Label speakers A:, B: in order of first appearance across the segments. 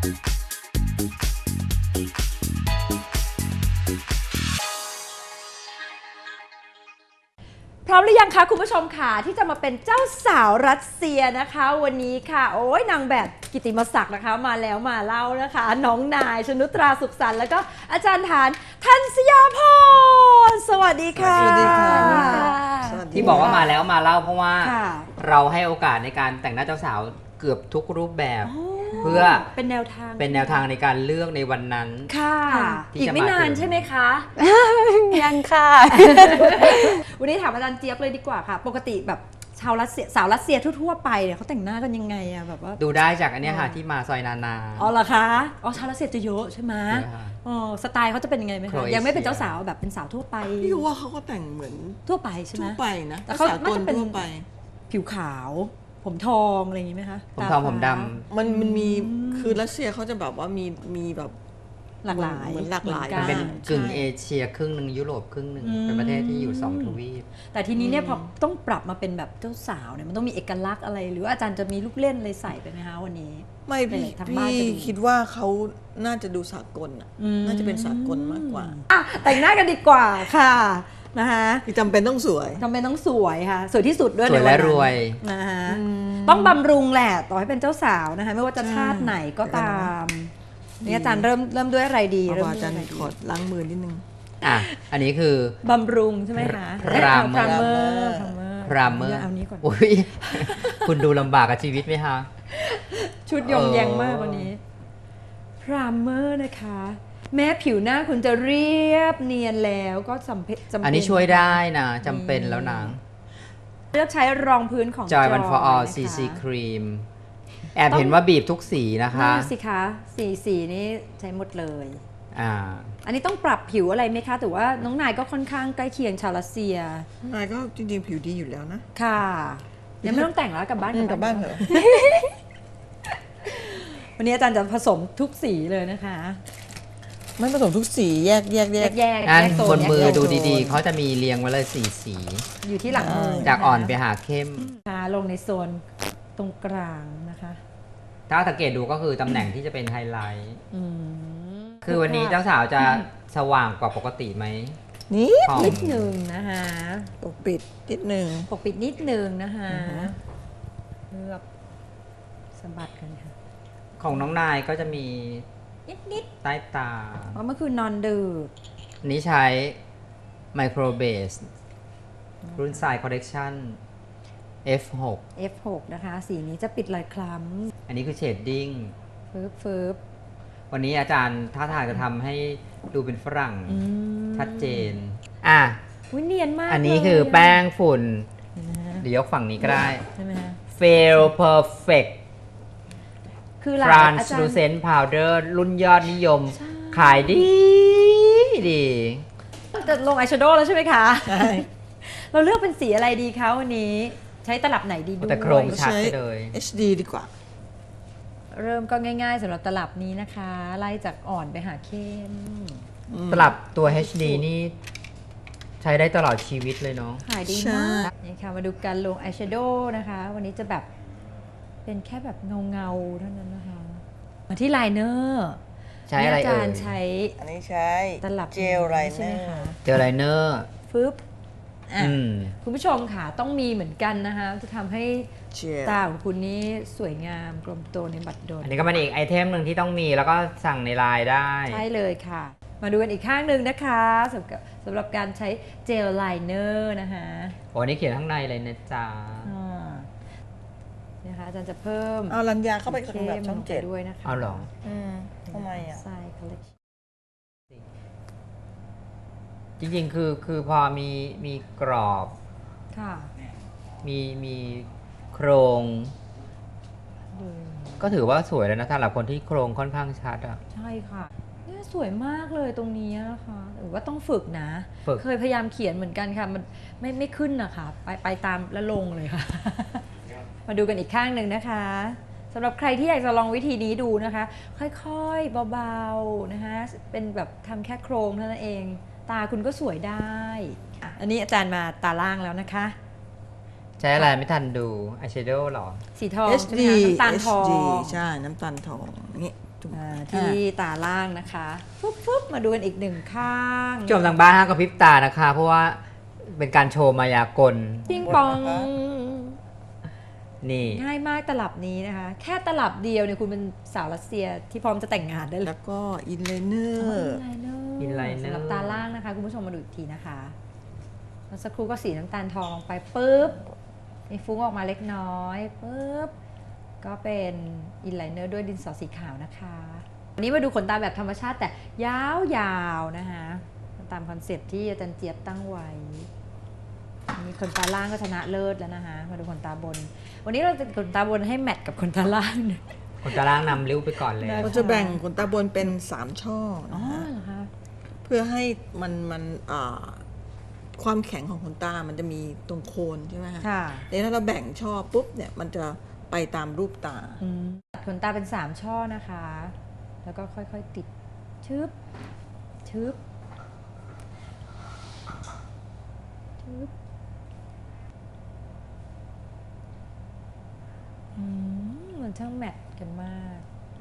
A: พร้อมหรือยังคะคุณผู้ชมค่ะที่จะมาเป็นเจ้าสาวรัสเซียนะคะวันนี้ค่ะโอ้ยนางแบบกิตติมศักดิ์นะคะมาแล้วมาเล่านะคะน้องนายชนุตราสุขสันต์แล้วก็อาจารย์ฐานทันสยาพรสวัสดีค่ะ
B: สวัสดีค่ะ
C: ที่บอกว่ามาแล้วมาเล่าเพราะว่า
A: ค่ะ
C: เราให้โอกาสในการแต่งหน้าเจ้าสาวเกือบทุกรูปแบบ เพื่อ
A: เป็นแนวทาง
C: เป็นแนวทางในการเลือกในวันนั้น
A: ค่ะ
C: ที่
A: อีก
C: จะ
A: ไม่
C: มา
A: นาน
C: ถึง
A: ใช่ไหมคะ
B: ยังค่ะ
A: วันนี้ถามอาจารย์เจี๊ยบเลยดีกว่าค่ะ ปกติแบบชาวรัสเซียสาวรัสเซียทั่วๆไปเนี่ยเขาแต่งหน้ากันยังไงอะแบบว่า
C: ดูได้จากอันเนี้ยค่ะที่มาซอยนานา
A: อ๋อเหรอคะอ๋อชาวรัสเซียจะเยอะใช่ไหม
C: เยอะค่ะ
A: อ๋อสไตล์เขาจะเป็นยังไงไหม
C: โคร
A: คะ
C: เอเชีย
A: ยังไม่เป็นเจ้าสาวแบบเป็นสาวทั่วไป
B: พี่ว่าเขาก็แต่งเหมือน
A: ทั่วไปใช่ไหม
B: ทั่วไปนะ
A: แต่เขา
B: สากล
A: น่าจะเป็น
B: ทั่วไป
A: ผิวขาว ผมทองอะไรอย่างนี้ไหมคะ
C: ผมทอง
A: ตาฟ้า
C: ผมด
B: มันมีคือรัสเซียเขาจะแบบว่ามีแบบ
A: หลากหลาย
B: เหมือนหลากหลาย
A: มื
C: ำ
A: อ
C: เป็น
A: กั
C: กึ่งเอเชียครึ่งหนึ่งยุโรปครึ่งหนึ่ง
A: อืม
C: เป็นประเทศที่อยู่2 ทวีป
A: แต่ทีนี้เนี่ยพอต้องปรับมาเป็นแบบเจ้าสาวเนี่ยมันต้องมีเอกลักษณ์อะไร หรือว่าอาจารย์จะมีลูกเล่นอะไรใส่ไปไหมคะวันนี้
B: ไม่พี่
A: ทางบ้าน
B: พี่
A: จะดู
B: คิดว่าเขาน่าจะดูสากลอ่ะ
A: อืม
B: น่าจะเป็นสากลมากกว่า
A: อ่ะแต่งหน้ากันดีกว่าค่ะนะคะ
B: คือจำเป็นต้องสวย
A: ทำไมต้องสวยค่ะ สวยที่สุดด้วย
C: สวย
A: ในน
C: และ
A: นั้น
C: รวย
A: นะคะต้องบำรุงแหละต่อให้เป็นเจ้าสาวนะคะไม่ว่าจะชาติไหนก็ตามนี่อาจารย์เริ่มด้วยอะไรดี
B: เอา
A: เริ่ม
B: ว่า
A: ด้วย
B: อาจารย์
A: อะไรดี
B: ขอล้างมือนิดนึง
C: อ่ะ อันนี้คือบ
A: ำรุงใช่ไหมคะ
C: พรามเมอร์
A: พรามเมอร์
C: พรามเมอร์
A: เอานี้ก่อน
C: อุ้ย คุณดูลำบากกับชีวิตไหมคะ
A: ชุดยงแยงมากวันนี้พรามเมอร์นะคะ แม้ผิวหน้าคุณจะเรียบเนียนแล้วก็จำเป็น
C: อันนี้ช่วยได้นะจำเป็นแล้วนะ
A: เลือกใช้รองพื้นของ
C: Joy One for All
A: นะคะ
C: CC Cream แอบเห็นว่าบีบทุกสีนะคะ
A: นั่นสิคะสีนี้ใช้หมดเลย
C: อ่า
A: อันนี้ต้องปรับผิวอะไรไหมคะแต่ว่าน้องนายก็ค่อนข้างใกล้เคียงชาวรัสเซีย
B: นายก็จริงๆผิวดีอยู่แล้วนะ
A: ค่ะยังไม่ต้องแต่งแล้วกลับบ้าน
B: กลับบ้านเถอะ
A: วันนี้อาจารย์จะผสมทุกสีเลยนะคะ
B: ไม่ผสมทุกสีแยก
A: แยก
C: งั้น
A: โซ
C: บนมือ
A: แยกโซ
C: ดูดีๆ เขาจะมีเรียงไว้เลย4 สี
A: อยู่ที่หลังมือ
C: จากอ่อนไปหาเข้ม
A: ค่ะลงในโซนตรงกลางนะคะ
C: ถ้าสังเกตดูก็คือตำแหน่งที่จะเป็นไฮไลท์
A: อืม
C: คือวันนี้เจ้าสาวจะสว่างกว่าปกติไหม
B: นี่
C: ของ
A: นิดหนึ่งนะคะ
B: ปกปิดนิดนึง
A: ปกปิดนิดหนึ่งนะคะ
B: อือฮะ
A: เลือกสะบัดกันค่ะ
C: ของน้องนายก็จะมี
A: นิด
C: ใต้ตา
A: ๆเพราะเมื่อคืนนอนดึก
C: อันนี้ใช้ Micro Base รุ่นสาย Collection F6
A: F6 นะคะ สีนี้จะปิดรอยคล้
C: อันนี้คือเชดดิ้ง
A: ำฟืบ
C: วันนี้อาจารย์ท่าทางจะทำให้ดูเป็นฝรั่ง
A: อืม
C: ชัดเจน อ่ะ
A: อุ๊ยเนียนมาก
C: อันนี้
A: เลย
C: คือแป้งฝุ่น
A: เห็นไหมฮะ
C: เดี๋ยวยกฝั่งนี้ก็ได้
A: ใช่ไหมฮะ
C: Fail Perfect
A: คือหลายอาจารย์
C: Translucent Powder รุ่นยอดนิยม
A: ใช่
C: ขายดีดี
A: จะลงอายแชโดว์แล้วใช่ไหมคะ
B: ใช่
A: เราเลือกเป็นสีอะไรดีคะวันนี้ ใช้ตลับไหนดีด้วย
C: แต่โครง ชัดไปเลย
B: HD ดีกว่า
A: เริ่มก็ง่ายๆสำหรับตลับนี้นะคะ ไล่จากอ่อนไปหาเข้ม
C: ตลับตัว HD นี่ใช้ได้ตลอดชีวิตเลยเนาะ
A: ขายดี
B: ใช่
A: มากนี่ค่ะมาดูการลงอายแชโดว์นะคะ วันนี้จะแบบเป็นแค่แบบเงาๆเท่านั้นนะคะ มาที่ไลเนอร์
C: ใช้อะไร
A: อา
C: เอ่
A: จาร
C: ย
A: ย์ใช้
B: อันนี้ใช้
A: ตลับ
B: เจลไลเน
A: ใช่
B: อ
A: ไหม
B: ร์
A: คะ
C: เจลไลเนอร์
A: ฟึบอ่ะ
C: อืม
A: คุณผู้ชมค่ะต้องมีเหมือนกันนะคะ จะทำให้
B: เจล
A: ตาของคุณนี่สวยงามกลมโตในบัดดล
C: อันนี้ก็เป็นอีกไอเทมหนึ่งที่ต้องมีแล้วก็สั่งในไลน์ได้
A: ใช่เลยค่ะ มาดูกันอีกข้างหนึ่งนะคะสำหรับการใช้เจลไลเนอร์นะคะ
C: โอ้นี่เขียนข้างในเลยนะจ๊ะ
A: อ่านะคะอาจารย์จะเพิ่ม
B: เอารัญญาเข้าไป
A: เข้ม
B: แบบช่อง
A: ลงไป
B: เจ็ด
A: ด้วยนะคะ
C: เอาเหรอ
B: ทำไมอ่ะ
A: ใส่ collection
C: จริงๆ คือพอมีกรอบ
A: ค่ะ
C: มีโครง
A: ดู
C: ก็ถือว่าสวยแล้วนะสำหรับคนที่โครงค่อนข้างชัดอ่ะ
A: ใช่ค่ะเนี่ยสวยมากเลยตรงนี้นะคะหรือว่าต้องฝึกนะ
C: ฝึก
A: เคยพยายามเขียนเหมือนกันค่ะ มันไม่ขึ้นนะคะไปตามแล้วลงเลยค่ะ มาดูกันอีกข้างหนึ่งนะคะสำหรับใครที่อยากจะลองวิธีนี้ดูนะคะ ค่อยๆเบาๆนะคะเป็นแบบทำแค่โครงเท่านั้นเอง ตาคุณก็สวยได้อ่ะอันนี้อาจารย์มาตาล่างแล้วนะคะ
C: ใช้อะไรไม่ทันดูอายแชโดว์หรอ
A: สีทองใช่ไห
B: HD
A: มคะน้ำตาลทอง
B: HD ใช่ น้ำตาลทองนี่
A: ที่ตาล่างนะคะปุ๊บมาดูกันอีกหนึ่งข้าง
C: ชมทางบ้านห้ามกระพริบตานะคะ เพราะว่าเป็นการโชว์มายากล
A: ปิ้งปอง
C: นี่
A: ง่ายมากตลับนี้นะคะ แค่ตลับเดียวเนี่ยคุณเป็นสาวรัสเซียที่พร้อมจะแต่งงานได้เลย
B: แล้วก็อินไลเนอร์
C: อินไลเนอร์
A: สำหรับตาล่างนะคะ คุณผู้ชมมาดูอีกทีนะคะแล้วสักครู่ก็สีน้ำตาลทองลงไปปุ๊บมีฟุ้งออกมาเล็กน้อยปุ๊บก็เป็นอินไลเนอร์ด้วยดินสอสีขาวนะคะวันนี้มาดูขนตาแบบธรรมชาติแต่ยาวๆนะคะตามคอนเซ็ปต์ที่อาจารย์เจี๊ยบตั้งไว้มีขนตาล่างก็ชนะเลิศแล้วนะคะมาดูขนตาบน วันนี้เราจะขนตาบนให้แมทกับขนตาล่าง
C: คนจะล่างนำริ้วไปก่อนเลย
A: ได้
B: เราจะแบ่งขนตาบนเป็น3ช่อ
A: อ๋อ
B: นะคะ
A: เหรอคะ
B: เพื่อให้มันความแข็งของขนตามันจะมีตรงโคนใช่ไหมคะ
A: ค่ะ
B: แต่ถ้าเราแบ่งช่อปุ๊บเนี่ยมันจะไปตามรูปตา
A: ตัดขนตาเป็น3ช่อนะคะ แล้วก็ค่อยๆติดชึบชึบชึบมันช่างแมทกันมาก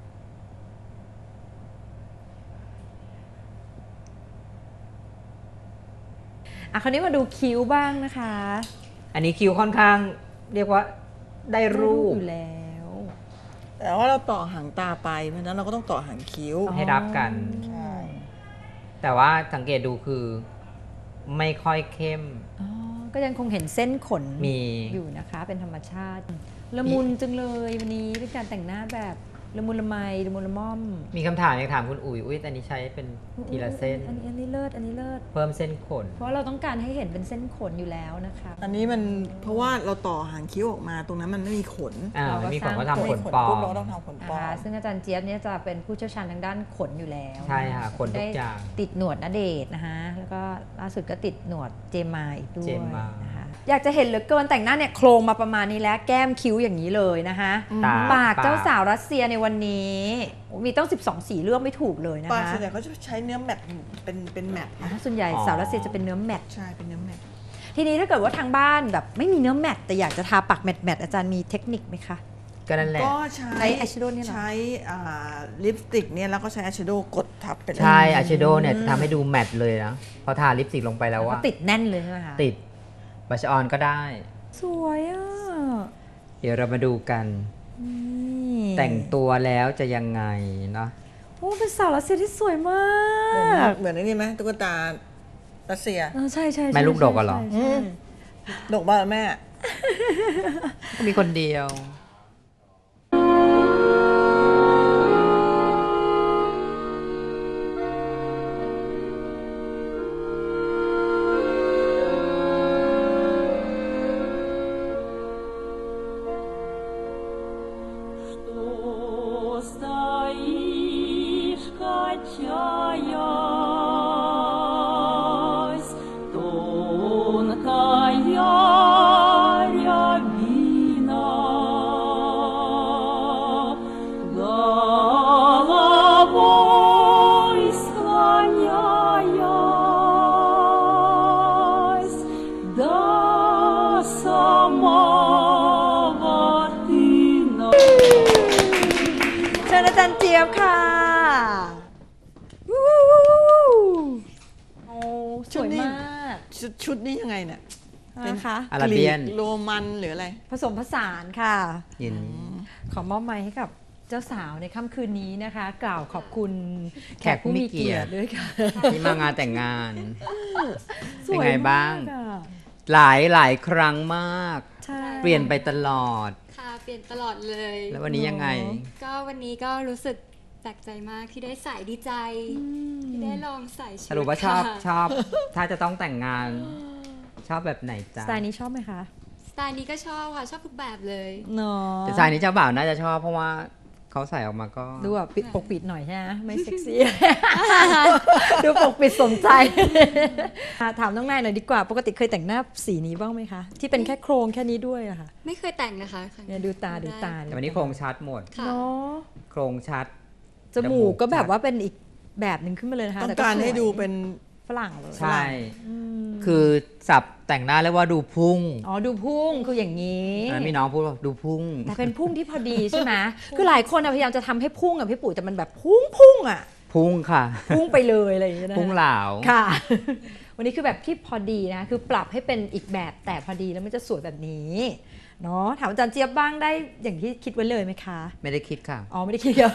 A: คราวนี้มาดูคิ้วบ้างนะคะ
C: อันนี้คิ้วค่อนข้างเรียกว่าได้รูป
A: อยู่แล้ว
B: แต่ว่าเราต่อหางตาไปเพราะฉะนั้นเราก็ต้องต่อหางคิ้ว
C: ให้รับกัน
B: ใช่
C: แต่ว่าสังเกตดูคือไม่ค่อยเข้ม
A: อ๋อ ก็ยังคงเห็นเส้นขน
C: มี
A: อยู่นะคะ เป็นธรรมชาติ ละมุนจังเลยวันนี้เป็นการแต่งหน้าแบบละมุนละไมละมุนละม่อม
C: มีคำถามอยากถามคุณอุ๋ยอุ้ยอันนี้ใช้เป็นทีละเส้น
A: อันนี้เลิศอันนี้เลิศ
C: เพิ่มเส้นขน
A: เพราะเราต้องการให้เห็นเป็นเส้นขนอยู่แล้วนะคะ
B: อันนี้มันเพราะว่าเราต่อหางคิ้วออกมาตรงนั้นมันไม่มีขน
C: มันมีขนก็
A: เราก็
C: ทำขน
B: ไม่มี
C: ปลอ
B: ปุ๊บ
C: ม
B: เราก็ต้องทำขน
A: นะ
B: ปลอ
A: คะ
B: ม
A: ซึ่งอาจารย์เจี๊ยบเนี่ยจะเป็นผู้เชี่ยวชาญทางด้านขนอยู่แล้ว
C: ใช่ค่ะขนทุกอย่าง
A: ได้ติดหนวดณเดชน์นะคะแล้วก็ล่าสุดก็ติดหนวดเจมมาอีกด้วย
C: เจมมา
A: นะคะอยากจะเห็นเหลือเกินแต่งหน้าเนี่ยโครงมาประมาณนี้แล้วแก้มคิ้วอย่างนี้เลยนะคะ
C: ตา
A: ปากเจ้าสาวรัสเซียในวันนี้โอ้มีต้อง 12 สีเลือกไม่ถูกเลยนะ
B: ปาก
A: คะ
B: ส่วนใหญ่เขาจะใช้เนื้อแมตต์เป็นแมตต์
A: อ๋อส่วนใหญ่สาวรัสเซียจะเป็นเนื้อแมตต์
B: ใช่เป็นเนื้อแมตต์
A: ทีนี้ถ้าเกิดว่าทางบ้านแบบไม่มีเนื้อแมตต์แต่อยากจะทาปากแมตต์อาจารย์มีเทคนิคไหมคะ
C: ก็นั่นแหละ
B: ก็
A: ใช้
B: ใช้
A: eyeshadow เนี่ยเหรอ
B: ใช้ลิปสติกเนี่ยแล้วก็ใช้อายแชโดว์กดทับไปเลย
C: ใช่อายแชโดว์เนี่ยจะทำให้ดูแมตต์เลยนะพอทาลิปสติกลงไปแล้ว
A: ก็
C: ว่า
A: ติดแน่นเลยใช่ไหมคะ
C: ติดบัชออนก็ได้
A: สวยอ่ะ
C: เดี๋ยวเรามาดูกัน
A: นี่
C: แต่งตัวแล้วจะยังไงเนาะ
A: โอ้เป็นสาวรัสเซียที่สวยมาก
B: เหมือนไอ้นี่ไหมตุ๊กตารัสเซีย
A: ใช่ใช่
C: แม่ลูกดกอะเหรอ
A: ใช่
B: ดกบ้าแม่
C: มีคนเดียว
D: Что стоишь, качаясь, тонкая рябина, головой склоняясь до самого тына.
A: เชิญอาจารย์เจี๊ยบค่ะวู้โอ้สวยมาก
B: ชุดนี้ยังไงเนี่ยเป็น
A: นะคะ
C: อาราเบียน
B: กรีกโรมันหรืออะไร
A: ผสมผสานค่ะ
C: เย็น
A: ขอมอบไม้ให้กับเจ้าสาวในค่ำคืนนี้นะคะ กล่าวขอบคุณแขกผู้มีเกียรติด้วยค่ะ
C: ที่มางานแต่งงาน
A: ส
C: เป็น
A: วย
C: ไงบ้าง
A: มกอะ
C: หลายครั้งมาก
A: ใช่
C: เปลี่ยนไปตลอด
E: ค่ะเปลี่ยนตลอดเลย
C: แล้ววันนี้ยังไง
E: ก็วันนี้ก็รู้สึกแปลกใจมากที่ได้ใส่ดีใจ ที่ได้ลองใส่ชุด
C: สรุปว่าชอบ
E: ค่ะ
C: ชอบ ถ้าจะต้องแต่งงาน ชอบแบบไหน
A: ส
C: จ๊ะ
A: ไตล์นี้ชอบไหมคะ
E: สไตล์นี้ก็ชอบค่ะ ชอบทุกแบบเลย
A: เนาะ
C: แต่ชายนี้เจ้าบ่าวน่าจะชอบเพราะว่าเขาใส่ออกมาก็
A: ดูแบบปิดปกปิดหน่อยใช่ไหมไม่เซ็กซี่ ดูปกปิดสมใจ ถามน้องนายหน่อยดีกว่า ปกติเคยแต่งหน้าสีนี้บ้างไหมคะ ที่เป็นแค่โครงแค่นี้ด้วยอะค่ะ
E: ไม่เคยแต่งนะคะครั้ง
A: เนี่ยดูตาดูตา
C: แต่วันนี้โครงชัดหมด
E: ค่ะ
A: เนาะ
C: โครงชัด
A: จมูกก็แบบว่าเป็นอีกแบบหนึ่งขึ้นมาเลยนะคะ
B: ต้อง
A: แต่
B: การ
A: สวย
B: ให้ดูเป็น
A: ฝรั่งเลย
C: ใช่
A: อืม
C: คือสับแต่งหน้าเรียกว่าดูพุ่ง
A: อ๋อดูพุ่งคืออย่างนี้
C: มีน้องพูดว่าดูพุ่ง
A: แต่เป็นพุ่งที่พอดีใช่ไหมคือหลายคนอะพยายามจะทำให้พุ่งอะพี่ปุ๋ยแต่มันแบบพุ่งอะ
C: พุ่งค่ะ
A: พุ่งไปเลยอะไรอย่างเงี้ยนะ
C: พุ่งเหลา
A: ค่ะ วันนี้คือแบบที่พอดีนะคือปรับให้เป็นอีกแบบแต่พอดีแล้วมันจะสวยแบบนี้เนาะถามอาจารย์เจี๊ยบบ้างได้อย่างที่คิดไว้เลยไหมคะ
C: ไม่ได้คิดค่ะ
A: อ๋อไม่ได้คิดเดียว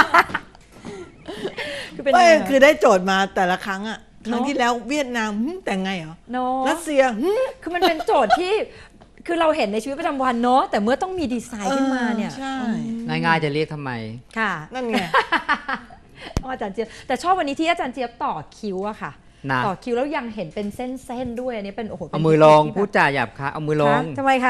A: คือเป็น
B: ไม่
A: ยังไง
B: คือได้โจทย์มาแต่ละครั้งอะครั้ง
A: เนอะ
B: ที่แล้วเวียดนามแต่งไงเหรอ
A: เนาะ
B: รัสเซีย
A: คือมันเป็นโจทย์ที่คือเราเห็นในชีวิตประจำวันเนาะแต่เมื่อต้องมีดีไซน์ขึ้นมาเนี่ย
B: ใช่
C: ง่ายๆจะเรียกทำไม
A: ค่ะ
B: นั่นไง
A: อาจารย์เจี๊ยบแต่ชอบวันนี้ที่อาจารย์เจี๊ยบต่อคิ้วอะค่ะ
C: นะ
A: ต่อคิ้วแล้วยังเห็นเป็นเส้นๆด้วยอันนี้เป็นโอ้โหป็น
C: เอามือลง
A: ที่แบบ
C: พูดจาหยาบคะเอามือลง
A: คะทำไมคะ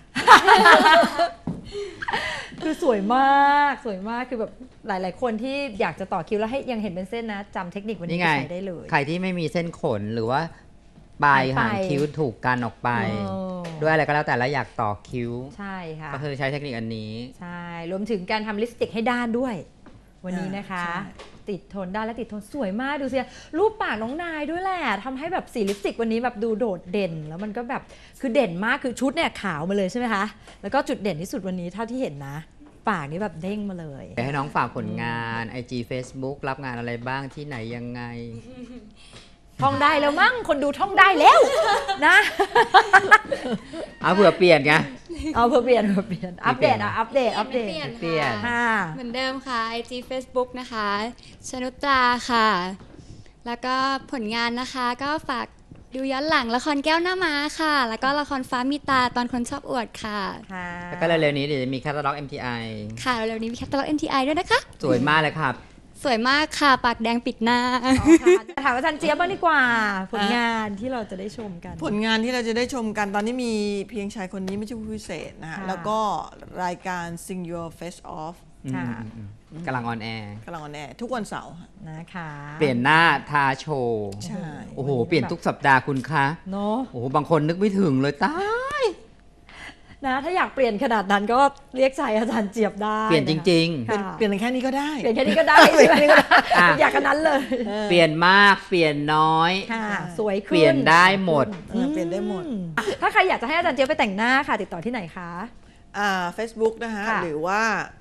A: คือสวยมากสวยมากคือแบบหลาย ๆ คนที่อยากจะต่อคิ้วแล้วให้ยังเห็นเป็นเส้นนะจำเทคนิควันนี้
C: นี่
A: ไป
C: ไง
A: ใช้ได้เลย
C: ใครที่ไม่มีเส้นขนหรือว่าปลาย
A: หายไป
C: หางคิ้วถูกกันออกไป
A: เออ
C: ด้วยอะไรก็แล้วแต่แล้วอยากต่อคิ้ว
A: ใช่ค่ะ
C: ก็คือใช้เทคนิคอันนี้
A: ใช่รวมถึงการทำลิปสติกให้ด้านด้วย วันนี้นะคะ
B: ใช่
A: ติดทนด้านและติดทนสวยมากดูสิรูปปากน้องนายด้วยแหละทำให้แบบสีลิปสติกวันนี้แบบดูโดดเด่น แล้วมันก็แบบคือเด่นมากคือชุดเนี่ยขาวมาเลยใช่ไหมคะแล้วก็จุดเด่นที่สุดวันนี้เท่าที่เห็นนะ ปากนี่แบบเด้งมาเลย
C: ให้น้องฝากผลงาน IG Facebook รับงานอะไรบ้างที่ไหนยังไง
A: ท่องได้แล้วมั้งคนดูท่องได้แล้วนะ
C: เอาเผื่อเปลี่ยนไง
A: เอาเพื่อเปลี่ยนอัปเดตอะอัปเดต
E: ไม่เปลี่ยน
C: เปลี่ยน
A: ค่ะ
E: เหมือนเดิมค่ะ IG Facebook นะคะชนุตราค่ะ แล้วก็ผลงานนะคะก็ฝากดูย้อนหลังละครแก้วหน้าม้าค่ะ แล้วก็ละครฟ้ามีตาตอนคนชอบอวดค่ะ
A: ค่ะ
C: แล้วก็เร็วๆนี้เดี๋ยวจะมีแคตตาล็อก MTI
E: ค่ะเร็วๆนี้มีแคตตาล็อก MTI ด้วยนะคะ
C: สวยมากเลยครับ
E: สวยมากค่ะ ปากแดงปิดหน้า
A: ถามอาจารย์เจี๊ยบบ้างดีกว่า ผลงานที่เราจะได้ชมกัน
B: ผลงานที่เราจะได้ชมกันตอนนี้มีเพียงชายคนนี้ไม่ใช่ผู้พิเศษนะฮะ
A: ค่ะ
B: แล้วก็รายการ Sing Your Face Off
A: ค่ะ
C: กำลังออนแอร์
B: กำลังออนแอร์ทุกวันเสาร์ฮะ
A: นะคะ
C: เปลี่ยนหน้าทาโชว์
B: ใช่
C: โอ้โห เปลี่ยนทุกสัปดาห์คุณคะ
A: เนาะ
C: โอ้โห บางคนนึกไม่ถึงเลยตาย
A: นะถ้าอยากเปลี่ยนขนาดนั้นก็เรียกใจอาจารย์เจี๊ยบได้
C: เปลี่ยนจริง
A: ค่ะ
B: เปลี่ยนแค่นี้ก็ได้
A: เปลี่ยนแค่นี้ก็ได้ใช่ไหมอยากกันนั้นเลย
C: ๆ เปลี่ยนมาก เปลี่ยนน้อย
A: ค่ะ สวยขึ้น
C: เปลี่ยนได้หมด
B: เปลี่ยนได้หมด
A: ถ้าใครอยากจะให้อาจารย์เจี๊ยบไปแต่งหน้าค่ะ ติดต่อที่ไหนคะ
B: Facebook นะฮะ
A: ค่ะ
B: หรือว่า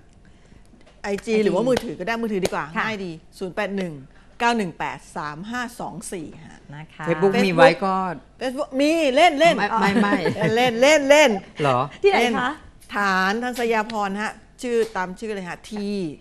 B: IG หรือว่ามือถือก็ได้มือถือดีกว่า
A: ค่ะ
B: ง่ายดี 081 918 3524 ฮะ
A: นะคะ
C: Facebook มี
B: Facebook
C: ไว้ก็
B: Facebook มีเล่นเล่น
C: ไม่
B: เล่นเล่นเล่น
C: เหรอ
A: ที่ไหน
B: เล่น
A: คะ
B: ฐานทันสยาพรฮะ ชื่อตามชื่อเลยฮะ T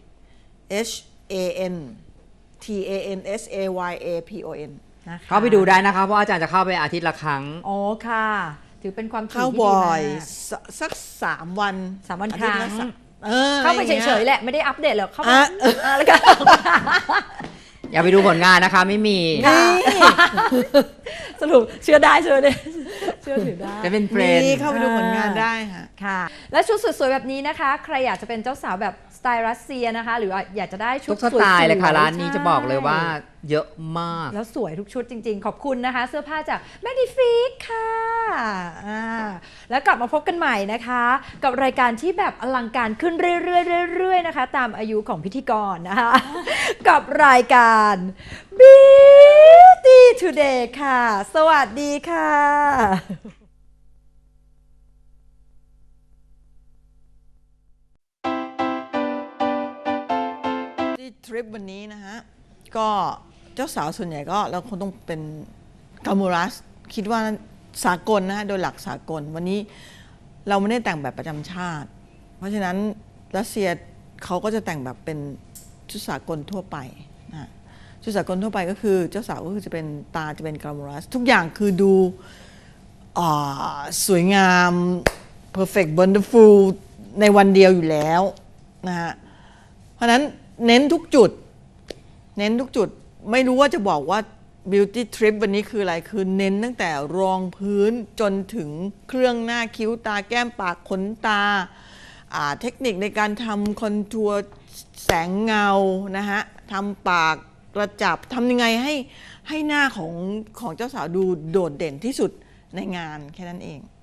B: H A N T A N S A Y A P O N
A: นะคะ
C: เข้าไปดูได้นะครับ เพราะอาจารย์จะเข้าไปอาทิตย์ละครั้ง
A: อ๋อค่ะ ถือเป็นความถี่
B: เข้า
A: ที่ดี
B: บ่อ
A: มาย ก
B: สัก3 วัน
A: 3 วัน
B: อา
A: ค
B: ทิต
A: รั้
B: ย์ละ
A: ง
B: สาม
A: เข้าไป
B: อะไรอง
A: เฉ
B: งี้
A: ยๆแหละไม่ได้อัปเดตหรอกเข้าไป
B: อ่ะ
A: แล้วก็
C: อย่าไปดูผลงานนะคะ ไม่มี
A: ค่ะ สรุปเชื่อได้เชื่อได้เชื่อถือได้
C: จะเป็นเฟรน
B: มี
C: ด์
B: เข้าไปดูผลงานได้ค่ะ
A: ค่ะ และชุดสวยๆแบบนี้นะคะ ใครอยากจะเป็นเจ้าสาวแบบสไตล์รัสเซียนะคะ หรือว่าอยากจะได้ชุ
C: ทุ
A: ด
C: กสไตล์เลยค่ะ
A: สวๆ
C: ร้านนี้จะบอกเลยว่า
A: ใช่
C: เยอะมาก
A: แล้วสวยทุกชุดจริงๆ ขอบคุณนะคะ เสื้อผ้าจาก Magnifique ค่ะแล้วกลับมาพบกันใหม่นะคะ กับรายการที่แบบอลังการขึ้นเรื่อยๆนะคะ ตามอายุของพิธีกรนะคะ กับรายการ Beauty Today ค่ะ สวัสดีค่ะ
B: ที่ทริปวันนี้นะฮะ ก็เจ้าสาวส่วนใหญ่ก็เราคงต้องเป็นกามูรัสคิดว่าสากลนะฮะโดยหลักสากลวันนี้เราไม่ได้แต่งแบบประจำชาติ เพราะฉะนั้นรัสเซียเขาก็จะแต่งแบบเป็นชุดสากลทั่วไปนะฮะชุดสากลทั่วไปก็คือเจ้าสาวก็คือจะเป็นตาจะเป็นกามูรัสทุกอย่างคือดูสวยงาม perfect wonderful ในวันเดียวอยู่แล้วนะฮะเพราะฉะนั้นเน้นทุกจุดไม่รู้ว่าจะบอกว่า beauty trip วันนี้คืออะไรคือเน้นตั้งแต่รองพื้นจนถึงเครื่องหน้าคิ้วตาแก้มปากขนตาเทคนิคในการทำคอนทัวร์แสงเงานะฮะทำปากกระจับทำยังไงให้หน้าของเจ้าสาวดูโดดเด่นที่สุดในงานแค่นั้นเอง